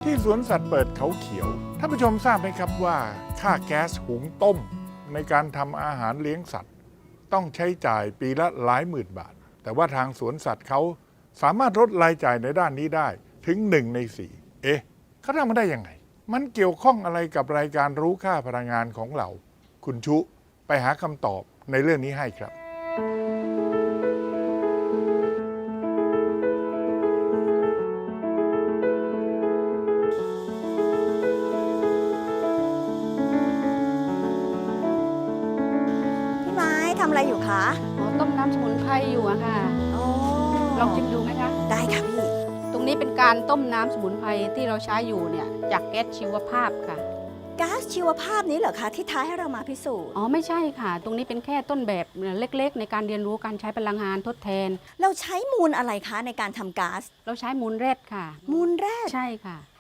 ที่สวนสัตว์เปิดเขาเขียวท่านผู้ชมทราบไหมครับว่าค่าแก๊สหุงต้มในการทำอาหารเลี้ยงสัตว์ต้องใช้จ่ายปีละหลายหมื่นบาทแต่ว่าทางสวนสัตว์เขาสามารถลดรายจ่ายในด้านนี้ได้ถึง1 ใน 4เขาทำมาได้ยังไงมันเกี่ยวข้องอะไรกับรายการรู้ค่าพลังงานของเราคุณชุไปหาคำตอบในเรื่องนี้ให้ครับพี่ไม้ทำอะไรอยู่คะอ๋อต้มน้ำสมุนไพรอยู่อะค่ะอ๋อลองชิมดูไหมคะได้ค่ะพี่ตรงนี้เป็นการต้มน้ำสมุนไพรที่เราใช้อยู่เนี่ยจากแก๊สชีวภาพค่ะก๊าซชีวภาพนี้เหรอคะที่ท้าให้เรามาพิสูจน์อ๋อไม่ใช่ค่ะ ตรงนี้เป็นแค่ต้นแบบเล็กๆ ในการเรียนรู้การใช้พลังงานทดแทนเราใช้มูลอะไรคะในการทำก๊าซเราใช้มูลแรดค่ะมูลแร่ใช่ค่ะ